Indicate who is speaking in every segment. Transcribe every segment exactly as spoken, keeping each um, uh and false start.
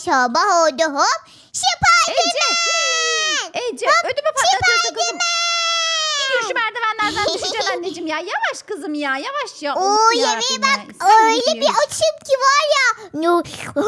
Speaker 1: sabah oldu hop. Spiderman.
Speaker 2: Ece. Ece ödümü patlatıyorsun kızım. Gidiyor şu merdivenlerden düşeceksin anneciğim ya. Yavaş kızım ya. Yavaş ya.
Speaker 1: Oo
Speaker 2: Of
Speaker 1: yemeğe
Speaker 2: yarabbim
Speaker 1: bak.
Speaker 2: ya. İnsan
Speaker 1: Öyle
Speaker 2: yemeği
Speaker 1: bir
Speaker 2: yiyor.
Speaker 1: açım ki var ya. No.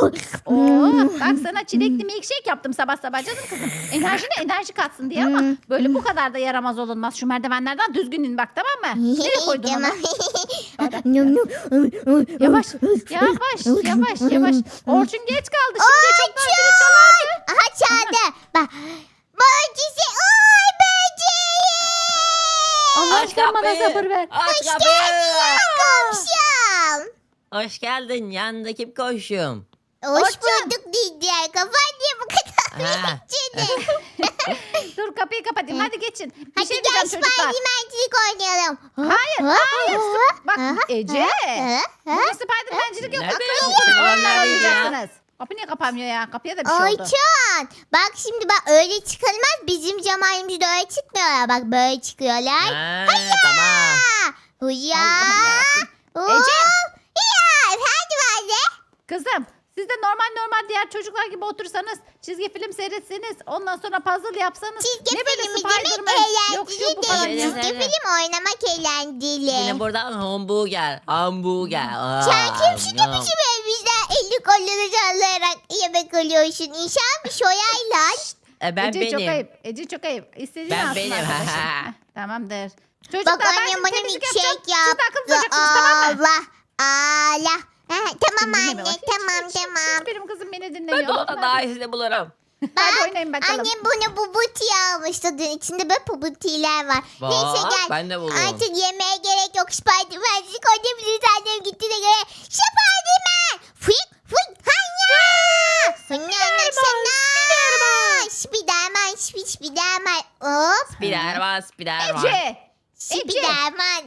Speaker 2: Oo, bak sana çilekli milkshake yaptım sabah sabah canım kızım. Enerjine enerji katsın diye ama
Speaker 1: Hmm.
Speaker 2: böyle bu kadar da yaramaz olunmaz. Şu merdivenlerden düzgün in bak tamam mı? Nereye koydun onu?
Speaker 1: Tamam. Nom, nom.
Speaker 2: Yavaş, yavaş, yavaş, yavaş. Orçun geç kaldı. Şimdi çok daha zili çalardı.
Speaker 1: Aha çaldı. Bak. Böcesi. Oy böceği.
Speaker 2: Allah
Speaker 3: Aç
Speaker 2: aşkına bana
Speaker 3: kapıyı.
Speaker 2: sabır ver.
Speaker 3: Aç kapıyı.
Speaker 1: Komşum.
Speaker 3: Hoş geldin. Yanında kim koşum?
Speaker 1: Hoş
Speaker 2: Orçun.
Speaker 1: bulduk diyeceğim. Kafan niye bu kadar
Speaker 3: Ha.
Speaker 1: içine?
Speaker 2: Dur kapıyı kapatayım. Hadi geçin. Bir
Speaker 1: Hadi
Speaker 2: şey
Speaker 1: gel
Speaker 2: diyeceğim çocuklar.
Speaker 1: Spidermancilik oynayalım.
Speaker 2: Hayır, hayır. Bak Ece.
Speaker 1: Ha?
Speaker 2: Bugün Spidermancilik yok.
Speaker 3: Nerede
Speaker 2: Akıllı
Speaker 3: yok?
Speaker 2: olun.
Speaker 3: Onlar
Speaker 2: Onlar
Speaker 3: neredeydi ya?
Speaker 2: oynayacaksınız. Kapı niye kapanmıyor ya? Kapıya da bir şey oldu.
Speaker 1: Orçun. Bak şimdi bak öyle çıkılmaz. Bizim zamanımızda öyle çıkmıyorlar. Bak böyle çıkıyorlar.
Speaker 3: Ha, tamam.
Speaker 1: Huya.
Speaker 2: Allah'ım yarabbim. Ece.
Speaker 1: Ya efendim anne.
Speaker 2: Kızım siz de normal normal diğer çocuklar gibi otursanız çizgi film seyretseniz ondan sonra puzzle yapsanız
Speaker 1: Çizgi
Speaker 2: ne böyle
Speaker 1: filmi demek
Speaker 2: Spiderman yok şu bu
Speaker 1: eğlenceli
Speaker 2: falan
Speaker 1: değil.
Speaker 2: ya.
Speaker 3: ya.
Speaker 1: Çizgi film oynamak eğlenceli.
Speaker 3: Yine buradan hamburger. Hamburger. Aa,
Speaker 1: Sen kimsin de
Speaker 3: yum.
Speaker 1: bizim evimizde elli kolları sallayarak yemek alıyorsun? İnşallah bir soyayla.
Speaker 3: E, ben
Speaker 2: Ece çok
Speaker 3: benim.
Speaker 2: ayıp. Ece çok ayıp. İstediğini
Speaker 3: Ben
Speaker 2: alsın
Speaker 3: benim.
Speaker 2: arkadaşım. Heh, Tamamdır. Çocuklar
Speaker 1: Bak
Speaker 2: ben
Speaker 1: annem
Speaker 2: şimdi
Speaker 1: bana
Speaker 2: temizlik
Speaker 1: milkshake
Speaker 2: yapacağım. Siz de akıllı
Speaker 1: yaptı.
Speaker 2: olacaksınız tamam mı?
Speaker 1: Allah. Allah. Ha, tamam
Speaker 2: Dinleme
Speaker 1: anne
Speaker 2: bak, hiç-
Speaker 1: tamam
Speaker 2: hiç- hiç-
Speaker 1: tamam.
Speaker 2: hiç benim kızım beni
Speaker 3: Ben
Speaker 2: dinlemiyor.
Speaker 3: de ona daha iyisini bulurum.
Speaker 2: Hadi oynayın bakalım.
Speaker 1: Annem buna bubuti almıştı. Dün içinde böyle bubutiler var. Neyse
Speaker 3: Bak,
Speaker 1: gel.
Speaker 3: ben de buldum.
Speaker 1: Artık yemeğe gerek yok. Spiderman'cik oynayabiliriz. Annem gitti de göre. Spiderman. Fıy fıy. Hanya. Hanya sana. Spiderman. Spiderman. Spiderman. Hop.
Speaker 3: Spiderman, Spiderman.
Speaker 2: Ece.
Speaker 1: Spiderman.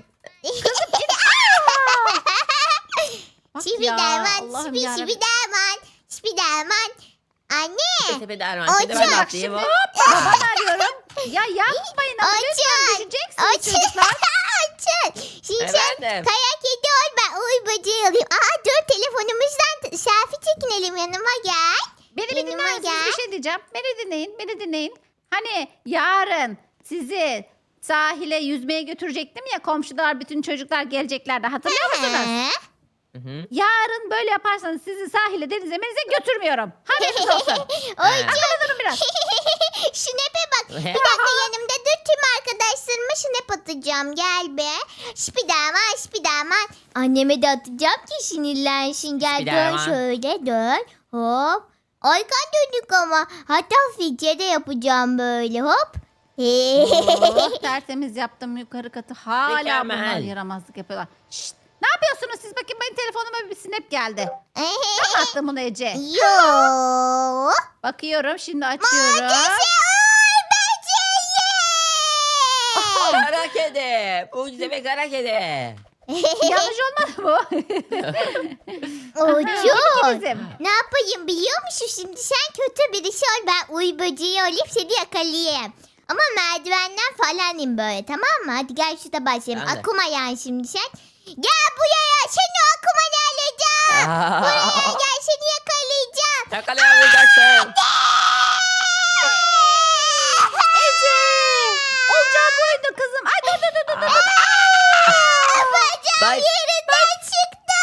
Speaker 2: Bak ya,
Speaker 1: Spiderman.
Speaker 2: Allah'ım
Speaker 1: Spi-
Speaker 2: yarabbim.
Speaker 1: Spiderman. Spiderman. Anne.
Speaker 3: Spiderman.
Speaker 1: Orçun.
Speaker 3: Spiderman
Speaker 2: Bak
Speaker 3: atlayayım.
Speaker 2: şimdi
Speaker 3: Hop.
Speaker 2: babanı arıyorum. Ya yapmayın ama lütfen
Speaker 1: Orçun.
Speaker 2: düşeceksiniz
Speaker 1: Orçun.
Speaker 2: çocuklar.
Speaker 1: Orçun. Şimdi sen
Speaker 3: Efendim?
Speaker 1: kaya kedi ol ben uy böceği alayım. Aa dur telefonumuzdan t- selfie çekinelim yanıma gel.
Speaker 2: Beni bir
Speaker 1: Yanıma
Speaker 2: dinler misiniz?
Speaker 1: gel.
Speaker 2: Bir şey diyeceğim. Beni dinleyin, beni dinleyin. Hani yarın sizi sahile yüzmeye götürecektim ya komşular bütün çocuklar geleceklerdi hatırlıyor musunuz?
Speaker 1: He?
Speaker 3: Hı hı.
Speaker 2: Yarın böyle yaparsanız sizi sahile denize menize götürmüyorum. Haberiniz olsun.
Speaker 1: Orçun.
Speaker 2: Akıllı durun biraz.
Speaker 1: Snap'e bak. Bir dakika yanımda dur tüm arkadaşlarıma snap atacağım. Gel be. Spiderman Spiderman. Anneme de atacağım ki sinirlensin. Gel dön
Speaker 3: Spiderman.
Speaker 1: şöyle dön. Hop. Arkan döndük ama. Hatta filtre de yapacağım böyle hop.
Speaker 2: Oh, tertemiz yaptım yukarı katı. Hala
Speaker 3: Mükemmel.
Speaker 2: bunlar yaramazlık yapıyorlar. Şşt, ne yapıyorsunuz siz? Bakın benim telefonuma bir snap geldi. Ben attım bunu Ece.
Speaker 1: Yo.
Speaker 2: Bakıyorum şimdi açıyorum.
Speaker 1: Ay böceği.
Speaker 3: Kara kedi. Mucizevi kara kedi.
Speaker 2: Yanlış olmadı bu.
Speaker 1: Orçun.
Speaker 2: Bizim.
Speaker 1: Ne yapayım biliyor musun? Şimdi sen kötü birisi ol. Ben uy böceği olayım seni yakalayayım. Ama merdivenden falan in böyle tamam mı? Hadi gel şurada başlayalım.
Speaker 3: Ben de.
Speaker 1: Akuma yani şimdi sen. Gel buraya seni akuma ne alacağım? Buraya gel seni yakalayacağım.
Speaker 3: Yakalayamayacaksın.
Speaker 2: Ece! Olacağı buydu kızım. Ay dur dur dur dur. dur.
Speaker 1: Bacağım
Speaker 3: Bak.
Speaker 1: yerinden çıktı.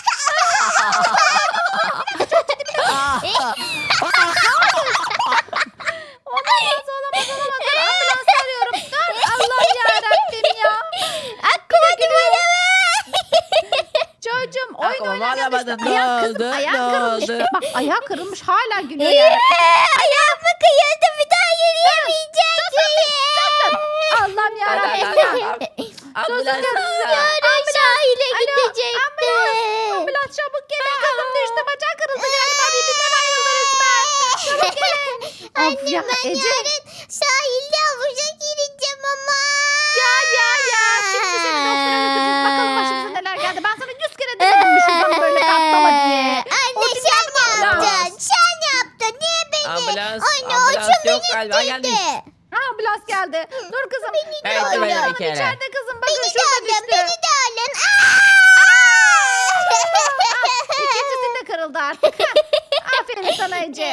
Speaker 2: Olamaz olamaz olamaz. Dur ambulans arıyorum. Dur Allah'ım yarabbim ya.
Speaker 1: Akuma numara
Speaker 2: Çocuğum oyun
Speaker 3: Aklıma
Speaker 2: oynarken
Speaker 3: alamadım.
Speaker 2: işte ayağı
Speaker 3: Ne
Speaker 2: kızım
Speaker 3: oldu?
Speaker 2: ayağı
Speaker 3: Ne
Speaker 2: kırılmış.
Speaker 3: oldu?
Speaker 2: Bak ayağı kırılmış hala gülüyor yani.
Speaker 1: Ayağım mı kıyıldı bir daha yürüyemeyecek miyim?
Speaker 2: Allah'ım yarabbim
Speaker 3: Hadi,
Speaker 2: ya.
Speaker 3: hadi, hadi. Ambulans.
Speaker 1: Yarın sahile gidecektim.
Speaker 2: Ambulans çabuk gelin kızım düştü. Bacağı kırıldı galiba birbirinden ayrıldı resmen. Çabuk gelin. Of ya
Speaker 1: Anne ben
Speaker 2: Ece.
Speaker 1: yarın sahilde havuza gireceğim ama.
Speaker 2: Ya ya ya. Şimdi seni doktora götüreceğiz. Bakalım başımıza neler geldi. Ben sana yüz kere demedim mi şuradan böyle atlama diye.
Speaker 1: Anne
Speaker 2: Orçun
Speaker 1: sen
Speaker 2: yapma.
Speaker 1: yaptın. Sen yaptın. Niye beni?
Speaker 3: Ambulans,
Speaker 1: Anne
Speaker 3: ambulans
Speaker 1: Orçun
Speaker 3: yok
Speaker 1: beni
Speaker 3: galiba,
Speaker 1: ittirdi.
Speaker 3: gelmiş.
Speaker 2: Ha ambulans geldi. Dur kızım.
Speaker 3: Evet,
Speaker 2: Dur,
Speaker 3: evet,
Speaker 2: canım
Speaker 3: bir kere.
Speaker 2: içeride kızım. Bakın
Speaker 1: Beni de
Speaker 2: şurada
Speaker 1: alın.
Speaker 2: düştü.
Speaker 1: Beni de alın.
Speaker 2: İkincisi de kırıldı artık. Aferin sana Ece.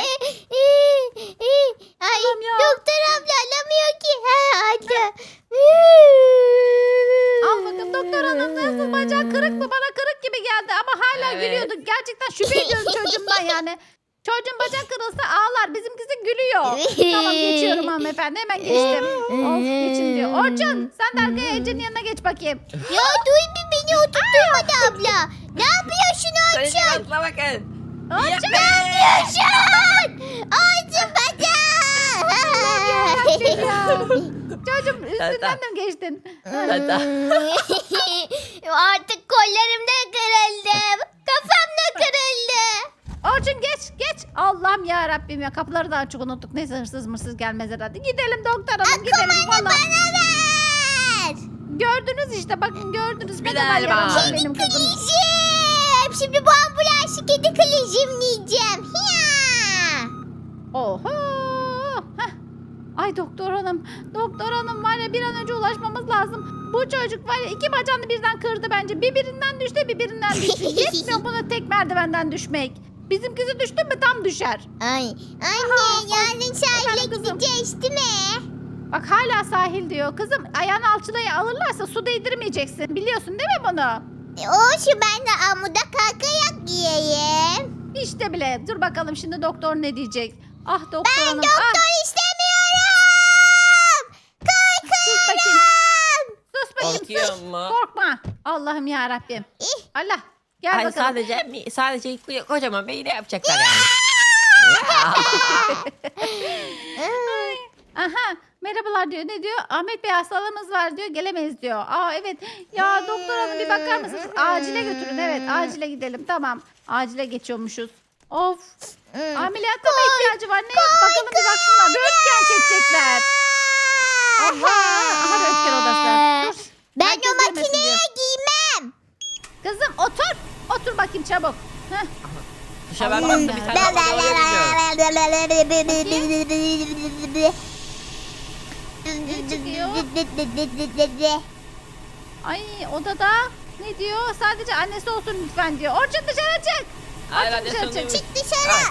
Speaker 2: Hanım nasıl bacak kırık mı? Bana kırık gibi geldi ama hala
Speaker 3: Evet.
Speaker 2: gülüyordu. Gerçekten şüphe ediyorum çocuğumdan yani. Çocuğun bacak kırılsa ağlar. Bizimkisi gülüyor. Tamam geçiyorum hanımefendi. Hemen geçtim. Of geçin diyor. Orçun sen de arkaya Ece'nin yanına geç bakayım.
Speaker 1: Ya duy bir beni oturtturmadı abla. Ne yapıyorsun
Speaker 3: Sayın
Speaker 1: Orçun?
Speaker 3: Asla bakın.
Speaker 2: Orçun.
Speaker 1: Ne yapıyorsun? Orçun
Speaker 2: Yarabbim ya.
Speaker 1: bacak.
Speaker 2: Çocuğum üstünden de mi geçtin?
Speaker 3: Tata.
Speaker 1: Artık kollarım da kırıldı. Kafam da kırıldı.
Speaker 2: Orçun geç geç. Allah'ım ya Rabbim ya kapıları da açık unuttuk. Neyse hırsız mırsız gelmez herhalde. Gidelim doktor hanım gidelim.
Speaker 1: Kumanı
Speaker 2: Vallahi.
Speaker 1: bana ver.
Speaker 2: Gördünüz işte bakın gördünüz. Ne
Speaker 3: Bir
Speaker 2: kadar
Speaker 3: daha
Speaker 2: yaramaz
Speaker 3: var.
Speaker 2: benim kızım.
Speaker 1: Kılıcım. Şimdi bu ambulansı kedi kılıcım diyeceğim. Ya.
Speaker 2: Oho. Heh. Ay doktor hanım. Doktor hanım var ya bir an önce ulaşmamız lazım. Bu çocuk var ya iki bacağını birden kırdı bence. Birbirinden düştü birbirinden düştü. Yetmiyor buna tek merdivenden düşmek. Bizimkisi düştü mü tam düşer.
Speaker 1: Ay anne yarın sahile
Speaker 2: Efendim kızım?
Speaker 1: gideceğiz değil mi?
Speaker 2: Bak hala sahil diyor. Kızım ayağını alçılayı alırlarsa su değdirmeyeceksin. Biliyorsun değil mi bunu?
Speaker 1: E, olsun ben de amuda kalkayak giyeyim.
Speaker 2: İşte bile. Dur bakalım şimdi doktor ne diyecek. Ah doktor
Speaker 1: Ben
Speaker 2: hanım.
Speaker 1: doktor
Speaker 2: Ah,
Speaker 1: istemiyorum.
Speaker 2: sus bakayım. Sus bakayım sus.
Speaker 3: Korkuyor mu?
Speaker 2: Korkma. Allah'ım ya Rabbim.
Speaker 1: İh.
Speaker 2: Allah. Gel
Speaker 3: Ay
Speaker 2: bakalım.
Speaker 3: sadece sadece kocaman beyni yapacaklar yani.
Speaker 2: Aha. Merhabalar diyor. Ne diyor? Ahmet Bey hastalığımız var diyor. Gelemeyiz diyor. Aa evet. Ya doktor hanım bir bakar mısınız? Acile götürün. Evet acile gidelim. Tamam. Acile geçiyormuşuz. Of. Ameliyata mı ihtiyacı var? Ne? Bakalım bir baksınlar. Röntgen çekecekler. Allah. Aha röntgen odası. Dur.
Speaker 1: Ben
Speaker 2: Herkes
Speaker 1: o
Speaker 2: görmesin
Speaker 1: makineye
Speaker 2: diyor.
Speaker 1: giymem.
Speaker 2: Kızım otur. Otur bakayım çabuk. Heh.
Speaker 3: Dışa bakmak da bir tane ama doğru gidiyor.
Speaker 2: Ay odada ne diyor? Sadece annesi olsun lütfen diyor. Orçun dışarı çık.
Speaker 3: Hayır
Speaker 2: Orçun
Speaker 3: hadi
Speaker 2: dışarı çık.
Speaker 3: sonuymuş.
Speaker 1: Çık dışarı.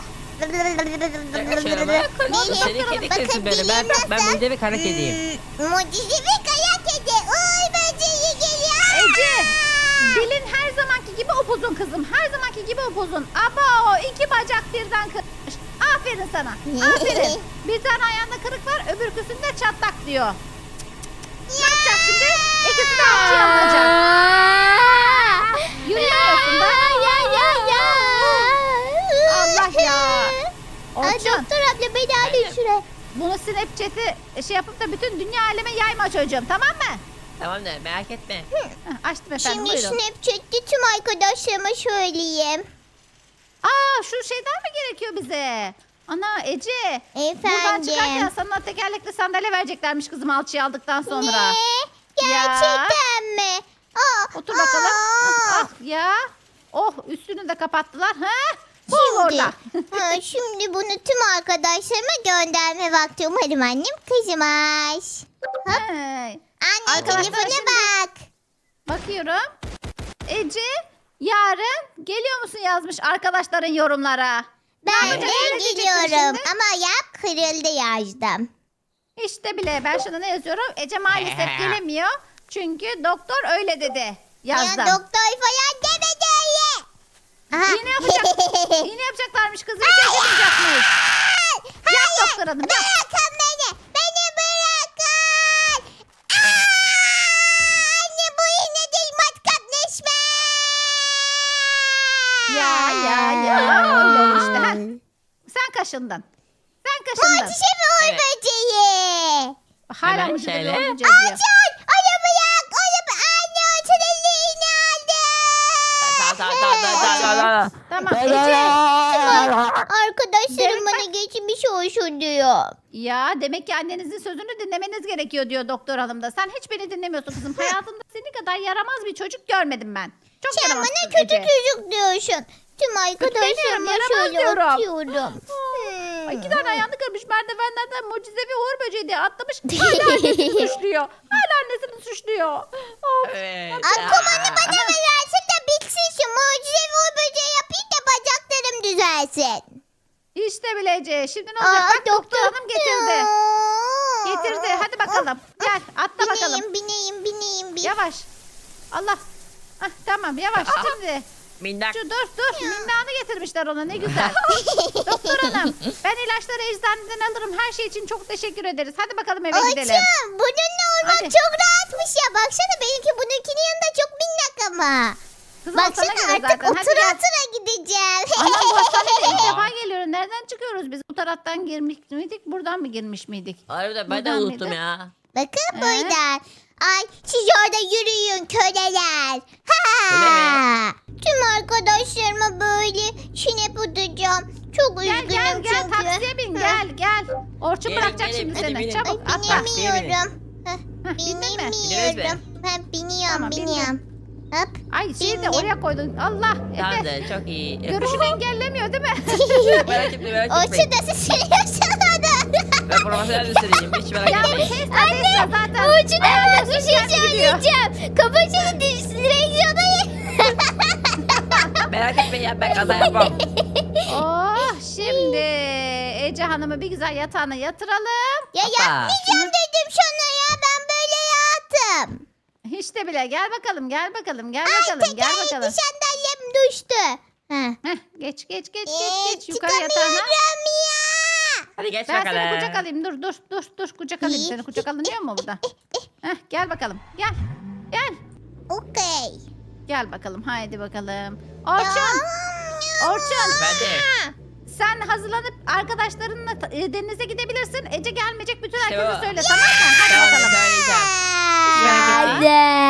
Speaker 3: Seni kedi kızsın böyle. Ben, ben mucizevi kara kediyim.
Speaker 1: Mucizevi kaya kedi. Uy böceği geliyor.
Speaker 2: Ece. Dilin her zamanki gibi upuzun kızım. Her zamanki gibi upuzun. Ama o iki bacak birden kırmış. Aferin sana. Aferin. Bir tane ayağında kırık var. Öbürküsünde çatlak diyor. Ne yapacak şimdi? İkisi de alçıya alınacak. Yürüyemiyorsun da.
Speaker 1: Ya ya ya.
Speaker 2: Allah ya.
Speaker 1: Ay
Speaker 2: Orçun.
Speaker 1: doktor abla beni alın şuraya.
Speaker 2: Bunu Snapchat'i şey yapıp da bütün dünya aleme yayma çocuğum tamam mı?
Speaker 3: Tamam da merak etme.
Speaker 2: Heh, açtım efendim
Speaker 1: Şimdi
Speaker 2: buyurun.
Speaker 1: Snapchat'te tüm arkadaşlarıma söyleyeyim.
Speaker 2: Aa şu şeyden mi gerekiyor bize? Ana Ece. Buradan çıkarken
Speaker 1: Efendim.
Speaker 2: sana tekerlekli sandalye vereceklermiş kızım alçıyı aldıktan sonra.
Speaker 1: Ne? Gerçekten mi? Aa,
Speaker 2: Otur bakalım.
Speaker 1: aa.
Speaker 2: Ah, ah, ya. Oh üstünü de kapattılar. Ha? Bu
Speaker 1: Şimdi,
Speaker 2: orada.
Speaker 1: ha, şimdi bunu tüm arkadaşlarıma gönderme vakti. Umarım annem kızmaz.
Speaker 2: Hey.
Speaker 1: Anne
Speaker 2: Arkadaşlar
Speaker 1: telefona
Speaker 2: şimdi-
Speaker 1: bak.
Speaker 2: Bakıyorum. Ece yarın geliyor musun yazmış arkadaşların yorumlara.
Speaker 1: Ben
Speaker 2: yapacaksın?
Speaker 1: de
Speaker 2: Ne diyeceksin
Speaker 1: gidiyorum
Speaker 2: şimdi?
Speaker 1: ama ayak kırıldı yazdım.
Speaker 2: İşte bile ben şuna ne yazıyorum? Ece maalesef gelemiyor. Çünkü doktor öyle dedi. Yazdım.
Speaker 1: Ya doktor falan demedi öyle. Aha.
Speaker 2: İğne yapacak. İğne yapacaklarmış kızı. Hiç acımayacakmış. Yap doktor hanım yap.
Speaker 1: Bırakın beni. Beni bırakın. Aa! Anne bu iğne değil matkap neşme.
Speaker 2: Ya ya ya. Öyle oldu işte. Ha. Sen kaşındın. Sen kaşındın.
Speaker 1: Mucizevi uğur
Speaker 3: Evet.
Speaker 1: böceği.
Speaker 2: Hala
Speaker 3: Hemen
Speaker 2: mı
Speaker 3: şöyle.
Speaker 2: olunca diyor.
Speaker 1: Açın. Arabı yak. Arabı. Anne açın elli iğne aldı.
Speaker 3: Tamam tamam tamam tamam tamam.
Speaker 2: Tamam Ece.
Speaker 1: Arkadaşlarım
Speaker 2: Demek
Speaker 1: bana geçmiş olsun diyor.
Speaker 2: Ya demek ki annenizin sözünü dinlemeniz gerekiyor diyor doktor hanım da. Sen hiç beni dinlemiyorsun kızım. Hayatımda seni kadar yaramaz bir çocuk görmedim ben. Çok
Speaker 1: Sen
Speaker 2: yaramazsın
Speaker 1: bana kötü
Speaker 2: Ece.
Speaker 1: çocuk diyorsun. Tüm
Speaker 2: demiyorum,
Speaker 1: arkadaşlarıma
Speaker 2: yaramaz
Speaker 1: şöyle
Speaker 2: diyorum.
Speaker 1: atıyorum.
Speaker 2: Ay, iki tane ayağını kırmış merdivenlerden mucizevi uğur böceği diye atlamış. Hala annesini suçluyor. Hala annesini suçluyor. Of.
Speaker 3: Evet.
Speaker 1: Akumanı bana versin de bitsin şu mucizevi uğur böceği yapayım da bacaklarım düzelsin.
Speaker 2: İşte bilece. Şimdi ne olacak? Bak doktor hanım getirdi. Getirdi. Hadi bakalım. Gel atla bakalım.
Speaker 1: Bineyim bineyim bineyim. bin.
Speaker 2: Yavaş. Allah. Ah, tamam yavaş şimdi.
Speaker 3: Minnak.
Speaker 2: Şu dur dur. Minnanı getirmişler ona ne güzel. Doktor hanım ben ilaçları eczaneden alırım. Her şey için çok teşekkür ederiz. Hadi bakalım eve gidelim.
Speaker 1: Orçun bununla olmak
Speaker 2: Hadi.
Speaker 1: çok rahatmış ya. Baksana benimki bununkinin yanında çok minnak ama.
Speaker 2: Kızım, o sana
Speaker 1: Baksana
Speaker 2: göre
Speaker 1: artık
Speaker 2: zaten. Hadi
Speaker 1: otura
Speaker 2: gel.
Speaker 1: otura gideceğim.
Speaker 2: Anam bu hastaneye ilk defa geliyorum. Nereden çıkıyoruz biz? Bu taraftan girmiş miydik? Buradan mı girmiş miydik?
Speaker 3: Harbiden ben de
Speaker 2: Buradan
Speaker 3: unuttum
Speaker 2: mıydı?
Speaker 3: ya.
Speaker 1: Bakın
Speaker 2: Ee?
Speaker 1: buradan. Ay siz orada yürüyün köleler.
Speaker 3: Öyle
Speaker 1: Ha. Tüm arkadaşlarıma böyle şinep atacağım. Çok
Speaker 2: Gel
Speaker 1: üzgünüm
Speaker 2: gel gel
Speaker 1: çünkü.
Speaker 2: taksiye bin
Speaker 1: Ha.
Speaker 2: gel gel. Orçun
Speaker 3: Gelin,
Speaker 2: bırakacak
Speaker 3: gelin,
Speaker 2: şimdi
Speaker 3: hadi
Speaker 2: seni.
Speaker 3: binin.
Speaker 2: Çabuk
Speaker 1: Ay
Speaker 2: atla.
Speaker 1: binemiyorum. Heh,
Speaker 2: Heh, bindin mi?
Speaker 3: Bindiniz mi?
Speaker 1: Binemiyorum. Ben biniyorum
Speaker 2: Tamam, bindin.
Speaker 1: biniyorum. Hop.
Speaker 2: Ay şeyi de
Speaker 1: Bindim.
Speaker 2: oraya koydun. Allah
Speaker 3: Tamam
Speaker 2: Efe.
Speaker 3: da çok iyi.
Speaker 2: Görüşünü engellemiyor değil mi?
Speaker 3: merak etme merak
Speaker 1: O
Speaker 3: etmeyin.
Speaker 1: şurada sürüyorsun onu.
Speaker 3: Ben profesyonel üstleneceğim. Hiç merak
Speaker 2: Ya bu
Speaker 3: etmeyin.
Speaker 2: şey zaten zaten.
Speaker 1: Orçun hemen bir şey
Speaker 2: kendi gidiyor.
Speaker 1: söyleyeceğim. Kafasını düş direksiyona ye.
Speaker 3: Merak etmeyin ya ben kaza yapmam.
Speaker 2: Oh şimdi Ece Hanım'ı bir güzel yatağına yatıralım.
Speaker 1: Ya
Speaker 3: Hoppa.
Speaker 1: yapmayacağım dedim sana ya. Ben böyle yattım.
Speaker 2: Hiç de bile gel bakalım gel bakalım gel
Speaker 1: Ay
Speaker 2: bakalım gel
Speaker 1: tekerlekli
Speaker 2: bakalım.
Speaker 1: sandalyem düştü. Heh.
Speaker 2: Heh, geç geç geç
Speaker 1: Ee,
Speaker 2: geç geç yukarı yatağına.
Speaker 1: çıkamıyorum ya.
Speaker 3: Hadi geç
Speaker 2: Ben
Speaker 3: bakalım.
Speaker 2: seni kucak alayım dur dur dur dur kucak alayım seni kucak alınıyor mu burada? Heh, gel bakalım gel gel
Speaker 1: Okey.
Speaker 2: gel bakalım haydi bakalım. Orçun Orçun
Speaker 3: Efendim.
Speaker 2: sen hazırlanıp arkadaşlarınla ta- e, denize gidebilirsin. Ece gelmeyecek bütün
Speaker 3: İşte
Speaker 2: herkese
Speaker 3: o.
Speaker 2: söyle tamam mı? Hadi
Speaker 3: Tamam
Speaker 2: bakalım.
Speaker 3: söyleyeceğim.
Speaker 1: Hadi.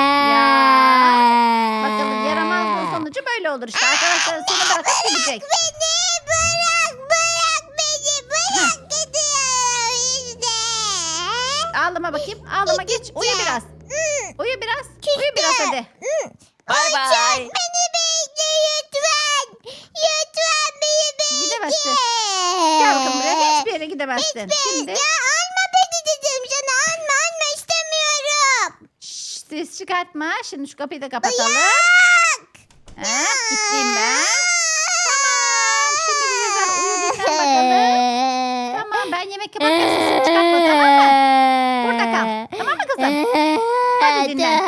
Speaker 2: Bakalım yaramazlığın sonucu böyle olur işte. Arkadaşlar seni bırakıp gidecek.
Speaker 1: Beni bırak bırak beni bırak gidiyor işte.
Speaker 2: Ağlama bakayım. Ağlama geç. Uyu biraz. Uyu biraz. Uyu biraz hadi.
Speaker 3: Bay bay.
Speaker 1: Beni bekle lütfen. Lütfen beni bekle.
Speaker 2: Gidemezsin. Gel bakalım buraya. Hiçbir yere gidemezsin. Şimdi
Speaker 1: Ya alma beni dedim sana alma alma istemiyorum.
Speaker 2: şş, ses çıkartma. Şimdi şu kapıyı da kapatalım.
Speaker 1: Bırak.
Speaker 2: Ha, gittim ben. Tamam. Şimdi bir güzel uyu dinlen bakalım. Tamam ben yemek yaparken sesini çıkartma tamam mı? Burada kal. Tamam mı kızım? Hadi dinlen.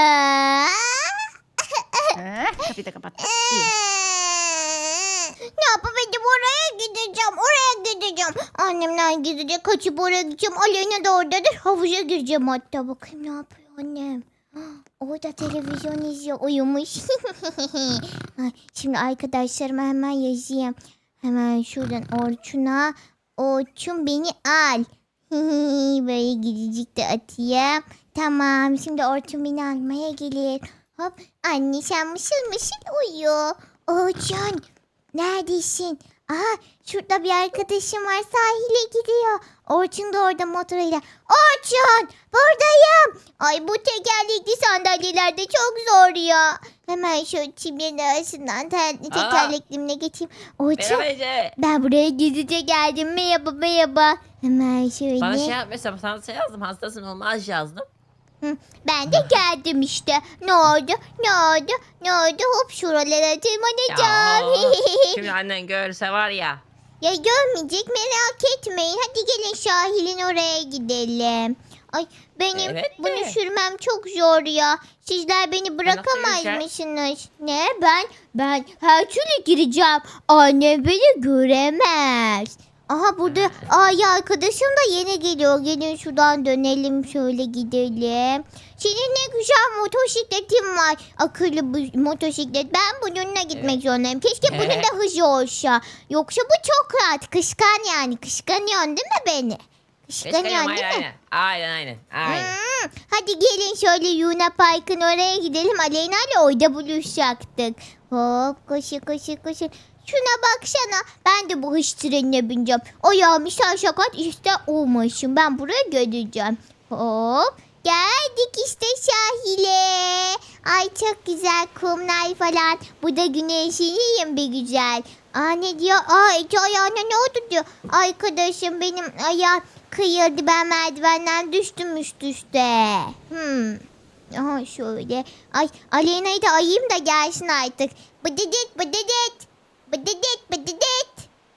Speaker 2: Ha, kapıyı da kapat. İyi.
Speaker 1: Ne yapabilirim oraya gideceğim oraya gideceğim. Annemler gidecek kaçıp oraya gideceğim. Aleyna da oradadır havuza gireceğim hatta. Bakayım ne yapıyor annem. Orada televizyon izliyor uyumuş. Ay, şimdi arkadaşlarıma hemen yazayım. Hemen şuradan Orçun'a. Orçun beni al. Böyle gidecek de atayım. Tamam şimdi Orçun beni almaya gelir. Hop anne sen mışıl mışıl uyu. Orçun neredesin? Aha şurada bir arkadaşım var sahile gidiyor. Orçun da orada motoruyla. Orçun buradayım. Ay bu tekerlekli sandalyelerde çok zor ya. Hemen şu çimlerin arasından ter- tekerleklimle geçeyim. Orçun
Speaker 3: Merhaba Ece.
Speaker 1: ben buraya gizlice geldim. Merhaba merhaba. Hemen şöyle.
Speaker 3: Sana şey yapmışsam sana şey yazdım. Hastasın olmaz yazdım.
Speaker 1: Hı, ben de geldim işte. Ne oldu? Ne oldu? Ne oldu? Hop şuralara tırmanacağım.
Speaker 3: Ya, şimdi annen görse var ya.
Speaker 1: Ya görmeyecek merak etmeyin. Hadi gelin sahilin oraya gidelim. Ay benim
Speaker 3: Evet
Speaker 1: bunu
Speaker 3: de.
Speaker 1: sürmem çok zor ya. Sizler beni bırakamaz
Speaker 3: yürüyeceksin?
Speaker 1: mısınız? Ne? Ben ben her türlü gireceğim. Anne beni göremez. Aha burada ay arkadaşım da yeni geliyor. Gelin şuradan dönelim şöyle gidelim. Senin ne güzel motosikletin var. Akıllı bu motosiklet. Ben bununla gitmek
Speaker 3: Evet.
Speaker 1: zorundayım. Keşke bunun
Speaker 3: Evet.
Speaker 1: da hızı olsa. Yoksa bu çok rahat. Kıskan yani. Kıskanıyorsun değil mi beni?
Speaker 3: Kıskanıyorum
Speaker 1: Kıskanıyorsun değil
Speaker 3: aynen
Speaker 1: mi?
Speaker 3: aynen. Aynen aynen. Aynen.
Speaker 1: Hmm, hadi gelin şöyle Luna Park'ın oraya gidelim. Aleyna ile orada buluşacaktık. Hop koşu koşu koşu. Şuna baksana. Ben de bu hız trenine bineceğim. Ayağımı şaşakat işte olmuşum. Ben buraya geleceğim. Hop. Geldik işte sahile. Ay çok güzel kumlar falan. Bu da güneşliyim bir güzel. Aa ne diyor? Aa Ece ayağına ne oldu diyor. Arkadaşım benim ayağım kıyıldı. Ben merdivenden düştüm üst üste. Hmm. Aha şöyle. Ay Aleyna'yı da ayayım da gelsin artık. Bıdıdıt bıdıdıt. Bıdıdıt bıdıdıt.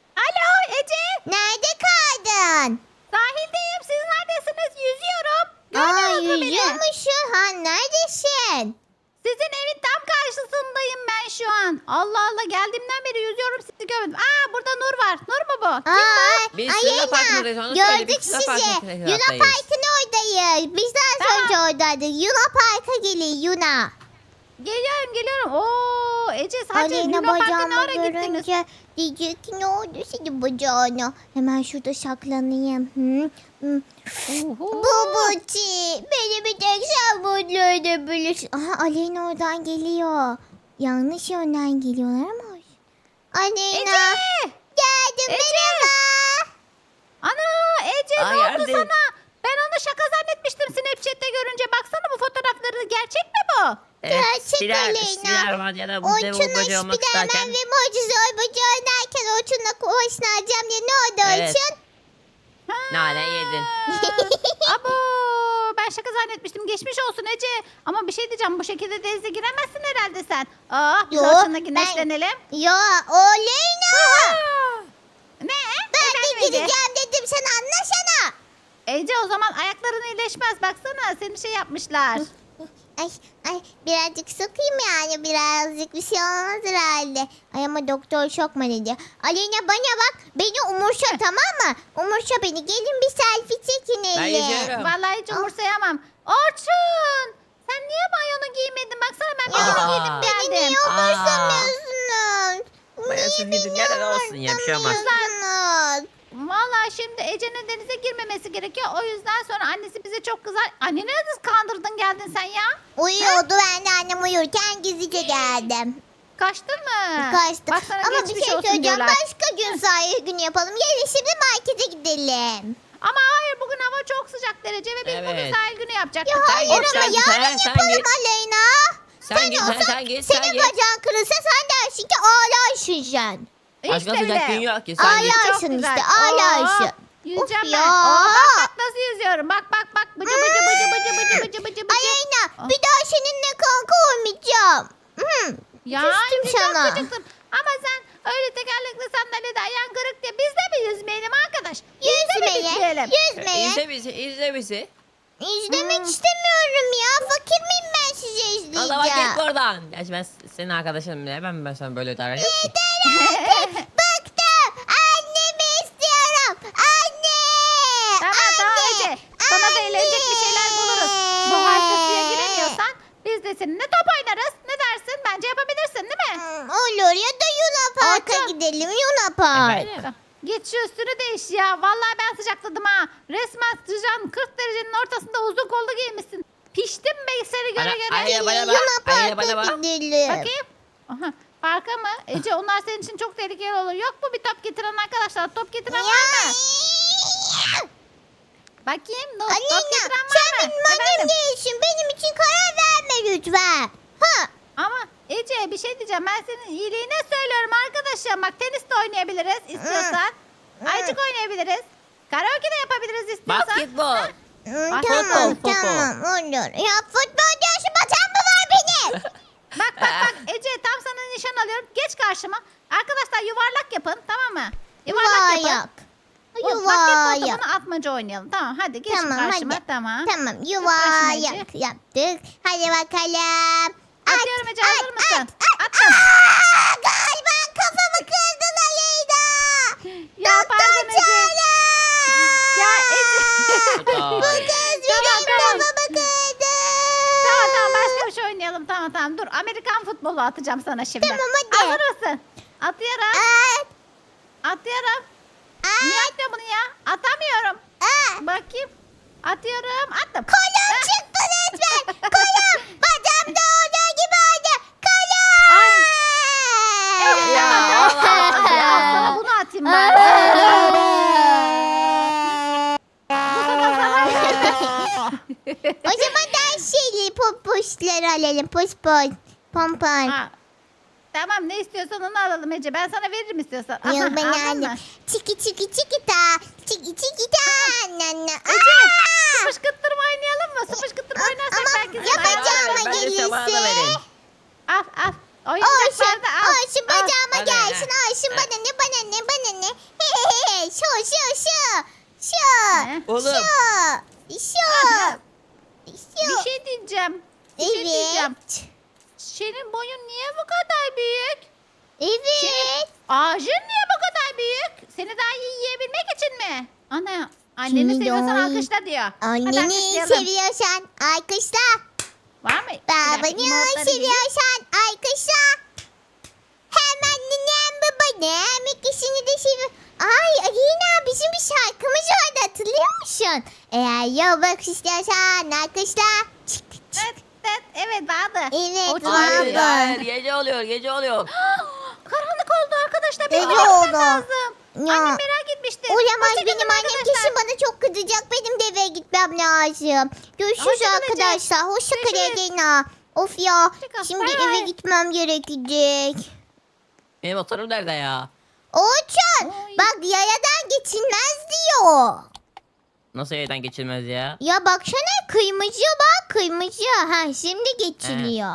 Speaker 2: Alo Ece.
Speaker 1: Nerede kaldın?
Speaker 2: Sahildeyim. Siz neredesiniz? Yüzüyorum.
Speaker 1: Aa
Speaker 2: Görmüyor musun beni?
Speaker 1: yüzüyor musun? Ha neredesin?
Speaker 2: Sizin evin tam karşısındayım ben şu an. Allah Allah geldiğimden beri yüzüyorum sizi görmedim. Aa burada Nur var. Nur mu bu? Kim bu?
Speaker 1: Aa,
Speaker 3: Biz Luna Park'ındayız, onu söyle,
Speaker 1: gördük
Speaker 3: biz Luna
Speaker 1: sizi.
Speaker 3: Park'ın
Speaker 1: Luna
Speaker 3: taraftayız.
Speaker 1: Park'ın oradayız. Biz daha
Speaker 2: Tamam.
Speaker 1: önce oradaydık. Luna Park'a gelin Luna.
Speaker 2: Geliyorum geliyorum. Oo Ece sadece
Speaker 1: Aleyna
Speaker 2: Luna Park'a ne
Speaker 1: bacağımı
Speaker 2: ara gittiniz?
Speaker 1: görünce diyecek ki ne oldu senin bacağına. Hemen şurada saklanayım. Hı? Hı.
Speaker 2: Oho.
Speaker 1: Babuci beni bir tek sen mutlu edebilirsin. Aha Aleyna oradan geliyor. Yanlış yönden geliyorlar ama. Aleyna.
Speaker 2: Ece!
Speaker 1: Geldim
Speaker 2: Ece!
Speaker 1: merhaba.
Speaker 2: Ana Ece
Speaker 3: Aa,
Speaker 2: ne oldu
Speaker 3: geldim.
Speaker 2: sana? Ben onu şaka zannetmiştim Snapchat'te görünce. Baksana bu fotoğrafları gerçek mi bu?
Speaker 3: Evet,
Speaker 1: Gerçek
Speaker 3: Spider-
Speaker 1: Aleyna.
Speaker 3: Spiderman bu dev
Speaker 1: Orçun'la
Speaker 3: bacağı olmak
Speaker 1: Spiderman
Speaker 3: isterken.
Speaker 1: ve Mucize Oybacı oynarken Orçun'la hoşlanacağım diye ne oldu
Speaker 3: Evet.
Speaker 1: Orçun?
Speaker 2: Ha.
Speaker 3: Nane yedin.
Speaker 2: Abo ben şaka zannetmiştim. Geçmiş olsun Ece. Ama bir şey diyeceğim. Bu şekilde denize giremezsin herhalde sen. Aa biz
Speaker 1: Yo,
Speaker 2: Orçun'la
Speaker 1: ben-
Speaker 2: güneşlenelim.
Speaker 1: Ya Aleyna.
Speaker 2: Ne?
Speaker 1: Ben
Speaker 2: Efendim
Speaker 1: de
Speaker 2: Ece?
Speaker 1: gireceğim dedim sen anlasana.
Speaker 2: Ece o zaman ayakların iyileşmez. Baksana seni şey yapmışlar.
Speaker 1: Ay ay birazcık sokayım yani birazcık bir şey olmaz herhalde. Ay ama doktor şok mu dedi. Aleyna bana bak beni umursa tamam mı? Umursa beni gelin bir selfie çekin
Speaker 3: Ben
Speaker 1: elle.
Speaker 3: yüzüyorum.
Speaker 2: Vallahi hiç umursayamam. Orçun! Sen niye mayonu giymedin? Baksana ben
Speaker 1: Ya,
Speaker 2: mayonu
Speaker 3: Aa.
Speaker 2: giydim
Speaker 1: Beni
Speaker 2: geldim.
Speaker 1: niye umursamıyorsunuz?
Speaker 3: Mayasız
Speaker 1: Niye
Speaker 3: gidin,
Speaker 1: beni
Speaker 3: gene olsun ya, bir şey olmaz.
Speaker 1: umursamıyorsunuz?
Speaker 2: Vallahi şimdi Ece'nin denize girmemesi gerekiyor. O yüzden sonra annesi bize çok kızar. Anneni nasıl kandırdın geldin sen ya?
Speaker 1: Uyuyordu ben de annem uyurken gizlice geldim.
Speaker 2: Kaçtın mı?
Speaker 1: Kaçtım.
Speaker 2: Bak sana
Speaker 1: Ama bir
Speaker 2: geçmiş
Speaker 1: şey
Speaker 2: olsun
Speaker 1: söyleyeceğim.
Speaker 2: diyorlar.
Speaker 1: Başka gün sahil günü yapalım. Gelin şimdi markete gidelim.
Speaker 2: Ama hayır bugün hava çok sıcak derece ve biz bugün
Speaker 3: Evet.
Speaker 2: sahil günü yapacaktık.
Speaker 1: Ya
Speaker 3: Sen
Speaker 1: hayır
Speaker 3: git,
Speaker 1: ama
Speaker 3: sen git,
Speaker 1: yarın
Speaker 3: sen- sen
Speaker 1: yapalım
Speaker 3: git.
Speaker 1: Aleyna.
Speaker 3: Sen git, sen-
Speaker 1: olsan
Speaker 3: sen git, sen
Speaker 1: senin
Speaker 3: git.
Speaker 1: bacağın kırılsa sen dersin ki ağlarsın sen.
Speaker 3: Başka
Speaker 2: İşte
Speaker 3: sıcak
Speaker 2: bile.
Speaker 3: gün yok ki, sen git.
Speaker 1: Ağlar.
Speaker 2: Çok
Speaker 1: Ağlarsın
Speaker 2: güzel.
Speaker 1: işte, ağlarsın.
Speaker 2: Oo, Yüzeceğim
Speaker 1: Of
Speaker 2: ben.
Speaker 1: ya.
Speaker 2: Oo, bak bak nasıl yüzüyorum. Bak bak bak. Bıcı bıcı bıcı bıcı bıcı bıcı bıcı bıcı.
Speaker 1: Aleyna
Speaker 2: Ah.
Speaker 1: bir daha seninle kanka olmayacağım. Hmm.
Speaker 2: Ya
Speaker 1: Küstüm
Speaker 2: Ece, çok
Speaker 1: sana.
Speaker 2: gıcıksın. Ama sen öyle tekerlekli sandalyede ayağın kırık diye biz de mi yüzmeyelim arkadaş? Biz de mi
Speaker 1: Yüzmeye,
Speaker 2: yüzmeyelim?
Speaker 1: yüzmeye.
Speaker 3: İzle bizi, izle bizi.
Speaker 1: İzlemek
Speaker 2: Hmm.
Speaker 1: istemiyorum ya. Fakir miyim ben sizi
Speaker 3: Allah bak git
Speaker 1: izleyeceğim?
Speaker 3: oradan. Gerçi ben senin arkadaşınım bile. Ben, ben sana böyle davranıyorum ki.
Speaker 1: Bıktım. Annemi istiyorum. Anne.
Speaker 2: Tamam tamam
Speaker 1: Anne.
Speaker 2: Ece. Sana da eğlenecek bir şeyler buluruz. Bu harika suya giremiyorsan biz de seninle top oynarız. Ne dersin? Bence yapabilirsin değil mi?
Speaker 1: Hmm, olur ya da Luna Park'a
Speaker 2: Orçun.
Speaker 1: gidelim. Luna Park.
Speaker 3: Evet.
Speaker 2: Git şu üstünü değiş ya. Vallahi ben sıcakladım ha. Resmen sıcağın kırk derecenin ortasında uzun kollu giymişsin. Piştim be seni göre
Speaker 3: Bana-
Speaker 2: göre.
Speaker 3: Ay,
Speaker 1: Gelin
Speaker 3: bana bak,
Speaker 1: Luna
Speaker 3: ay, bana
Speaker 1: Park'a
Speaker 3: bak.
Speaker 1: gidelim.
Speaker 2: Bakayım. Aha, parka mı? Ece onlar senin için çok tehlikeli olur. Yok mu bir top getiren arkadaşlar? Top getiren var mı?
Speaker 1: Ya.
Speaker 2: Bakayım. No, top
Speaker 1: Aleyna
Speaker 2: getiren var
Speaker 1: sen
Speaker 2: mı?
Speaker 1: benim annem
Speaker 2: Efendim?
Speaker 1: değilsin. Benim için karar verme lütfen. Ha.
Speaker 2: Ama Ece bir şey diyeceğim. Ben senin iyiliğine söylüyorum arkadaşım. Bak tenis de oynayabiliriz istiyorsan.
Speaker 1: Hı.
Speaker 2: Aycık oynayabiliriz. Karaoke de yapabiliriz istiyorsan.
Speaker 3: Basketbol.
Speaker 1: Hmm,
Speaker 2: Bak,
Speaker 1: tamam
Speaker 3: futbol, futbol.
Speaker 1: tamam olur. Ya futbol diyorsun bacağım mı var benim?
Speaker 2: Bak bak bak Ece tam sana nişan alıyorum. Geç karşıma. Arkadaşlar yuvarlak yapın tamam mı? Yuvarlak yapın.
Speaker 1: Yuvarlak.
Speaker 2: O basketbol
Speaker 1: Yuvarlak.
Speaker 2: topunu atmaca oynayalım. Tamam hadi geç
Speaker 1: Tamam,
Speaker 2: karşıma
Speaker 1: hadi.
Speaker 2: tamam.
Speaker 1: Tamam
Speaker 2: karşıma
Speaker 1: yuvarlak yaptık. Hadi bakalım. At,
Speaker 2: Atıyorum Ece hazır
Speaker 1: at,
Speaker 2: mısın?
Speaker 1: at, at.
Speaker 2: Attım.
Speaker 1: Aa, galiba kafamı kırdın Aleyna.
Speaker 2: Ya
Speaker 1: Doktor
Speaker 2: pardon Ece.
Speaker 1: çağırın.
Speaker 2: Ya Ece.
Speaker 1: Bu kız benim
Speaker 2: tamam.
Speaker 1: kafamı kırdı.
Speaker 2: Tamam tamam başka bir şey oynayalım. Tamam tamam dur Amerikan futbolu atacağım sana şimdi.
Speaker 1: Tamam, hadi.
Speaker 2: Hazır mısın? Atıyorum.
Speaker 1: At,
Speaker 2: Atıyorum.
Speaker 1: at,
Speaker 2: Niye atmıyor bunu ya? Atamıyorum.
Speaker 1: at.
Speaker 2: Bakayım. Atıyorum. Attım.
Speaker 1: Kolum
Speaker 2: Ah.
Speaker 1: çıktı resmen. Kolum. Bacağımda olduğu gibi oldu. Kolum.
Speaker 2: Ay. Evet,
Speaker 3: Ya,
Speaker 2: tamam, tamam,
Speaker 3: Allah
Speaker 2: tamam.
Speaker 3: Allah.
Speaker 2: Al sana bunu atayım ben. Bu sefer sana.
Speaker 1: O zaman daha şeyli popuşları alalım. Puş puş. Pompon.
Speaker 2: Ha, Tamam ne istiyorsan onu alalım Ece. Ben sana veririm istiyorsan. Aha,
Speaker 1: Yok ben
Speaker 2: aldın mı?
Speaker 1: aldım. Çiki çiki çiki ta. Çiki çiki ta. Na na.
Speaker 2: Ece
Speaker 1: Aa!
Speaker 2: sıpışkıttırma oynayalım mı? Sıpışkıttırma oynarsak
Speaker 1: Ama
Speaker 2: belki sana
Speaker 1: yapacağım
Speaker 2: ayarlarım.
Speaker 1: mı
Speaker 3: Ben de sabahına verin.
Speaker 1: gelirse?
Speaker 2: Al al.
Speaker 1: Olsun.
Speaker 2: Oyuncakları da al.
Speaker 1: Olsun
Speaker 2: Al.
Speaker 1: bacağıma
Speaker 3: Hadi,
Speaker 1: gelsin.
Speaker 3: ha.
Speaker 1: Olsun
Speaker 3: Ha.
Speaker 1: bana ne bana ne bana ne. He he he. Şu şu şu. Şu.
Speaker 2: He.
Speaker 3: Oğlum.
Speaker 1: Şu. Şu.
Speaker 2: Aha.
Speaker 1: Şu.
Speaker 2: Bir şey diyeceğim. Bir şey diyeceğim.
Speaker 1: Evet.
Speaker 2: senin boyun niye bu kadar büyük?
Speaker 1: Evet.
Speaker 2: Ağacın niye bu kadar büyük? Seni daha iyi yiyebilmek için mi? Ana, anneni
Speaker 1: Seni
Speaker 2: seviyorsan
Speaker 1: daha iyi-
Speaker 2: alkışla diyor. Hadi
Speaker 1: Anneni
Speaker 2: alkışlayalım.
Speaker 1: seviyorsan alkışla.
Speaker 2: Var mı? Bir dakika,
Speaker 1: Babanı
Speaker 2: emote'ları giyeyim.
Speaker 1: seviyorsan alkışla. Hem annem babanım ikisini de seviyor. Ay Alina bizim bir şarkımız vardı hatırlıyor musun? Eğer yolmak istiyorsan alkışla. Çık, çık.
Speaker 2: Evet, evet, evet vardı.
Speaker 1: Evet,
Speaker 2: O
Speaker 1: vardı.
Speaker 2: çok
Speaker 3: Hayır
Speaker 2: iyi.
Speaker 3: hayır gece oluyor gece oluyor.
Speaker 2: Karanlık oldu arkadaşlar. Benim
Speaker 1: Gece
Speaker 2: gitmem
Speaker 1: oldu.
Speaker 2: lazım.
Speaker 1: Ya.
Speaker 2: Annem merak etmişti.
Speaker 1: Olamaz
Speaker 2: Hoşçakalın
Speaker 1: benim annem
Speaker 2: arkadaşlar.
Speaker 1: kesin bana çok kızacak. Benim de eve gitmem lazım. Görüşürüz
Speaker 2: Hoşçakal Ece.
Speaker 1: arkadaşlar. Hoşça kal
Speaker 2: Görüşürüz.
Speaker 1: Alina. Of ya.
Speaker 2: Hoşçakal,
Speaker 1: Şimdi
Speaker 2: bay
Speaker 1: eve
Speaker 2: bay.
Speaker 1: gitmem gerekecek.
Speaker 3: Benim motorum nerede ya?
Speaker 1: Orçun
Speaker 2: Oy.
Speaker 1: bak yayadan geçilmez diyor.
Speaker 3: Nasıl evden geçilmez ya?
Speaker 1: Ya baksana kırmızı bak kırmızı. Ha şimdi geçiliyor.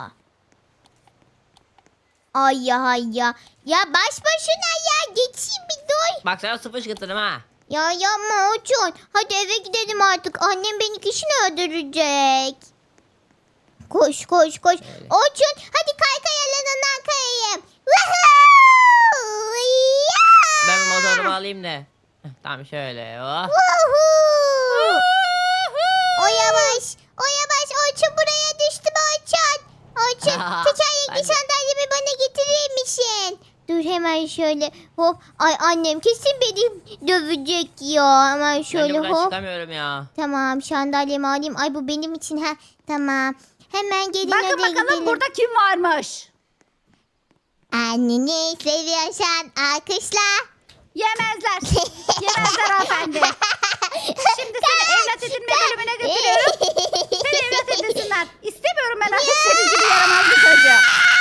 Speaker 1: Ay ya ay ya. Ya baş başına ya geçeyim bir dur.
Speaker 3: Bak sana sıfır şıkıtırım ha.
Speaker 1: Ya yapma Orçun. Hadi eve gidelim artık. Annem beni kesin öldürecek. Koş koş koş.
Speaker 3: Öyle.
Speaker 1: Orçun hadi kay kayalarından kayayım. Woohoo! Ya!
Speaker 3: Ben bir motorumu alayım da. Heh, tamam şöyle. Oh.
Speaker 1: Woohoo! O yavaş. O yavaş. Orçun buraya düştü mü Orçun? Orçun tekerlekli
Speaker 3: Ben de-
Speaker 1: sandalyemi bana getirir misin? Dur hemen şöyle. Hop. Ay annem kesin beni dövecek ya. Hemen
Speaker 3: Ben de
Speaker 1: şöyle
Speaker 3: buradan
Speaker 1: hop.
Speaker 3: çıkamıyorum ya.
Speaker 1: Tamam sandalyemi alayım. Ay bu benim için ha. Tamam. Hemen gelin
Speaker 2: Bakın
Speaker 1: hadi
Speaker 2: bakalım
Speaker 1: gidelim.
Speaker 2: burada kim varmış?
Speaker 1: Anneni seviyorsan alkışla.
Speaker 2: Yemezler. Yemezler hanımefendi. Şimdi seni evlat edinme bölümüne götürüyorum. Seni evlat edinsinler. İstemiyorum ben artık senin gibi yaramaz bir çocuğu.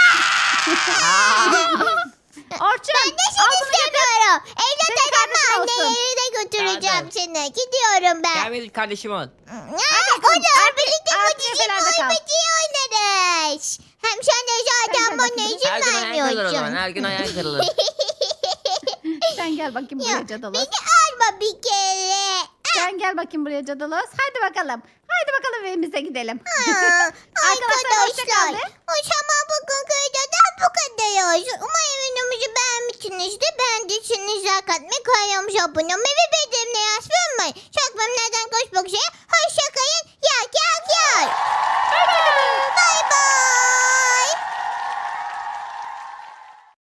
Speaker 2: Orçun.
Speaker 1: Ben de seni
Speaker 2: al bunu götür.
Speaker 1: istemiyorum. Evlat
Speaker 2: Senin
Speaker 1: edinme
Speaker 2: kardeşin olsun.
Speaker 1: anneye de götüreceğim
Speaker 3: Nerede?
Speaker 1: seni. Gidiyorum ben.
Speaker 3: Gel benim kardeşim ol.
Speaker 1: Aa, olur birlikte bu
Speaker 2: artı
Speaker 1: cici
Speaker 2: efelerde kal.
Speaker 1: boybacıyı oynarız. Hem sen de zaten
Speaker 2: Sen de
Speaker 1: bana
Speaker 2: bakayım.
Speaker 1: izin
Speaker 3: Her gün ayağın kırılır o zaman.
Speaker 1: vermiyorsun.
Speaker 3: Her gün ayağın kırılır.
Speaker 2: Sen gel bakayım
Speaker 1: Ya,
Speaker 2: buraya Cadalos.
Speaker 1: beni alma bir kere.
Speaker 2: Sen gel bakayım buraya Cadalos. Hadi bakalım. Hadi bakalım evimize gidelim.
Speaker 1: Aa,
Speaker 2: Arkadaşlar, hoşça
Speaker 1: Arkadaşlar
Speaker 2: kalın.
Speaker 1: o zaman bugün köyden bu kadar olsun. Umarım videomuzu beğenmişsinizdir. Beğendiyseniz like atmayı, kanalıma abone olmayı ve bildirimleri açmayı unutmayın. Çok memnun eden koşmak üzere.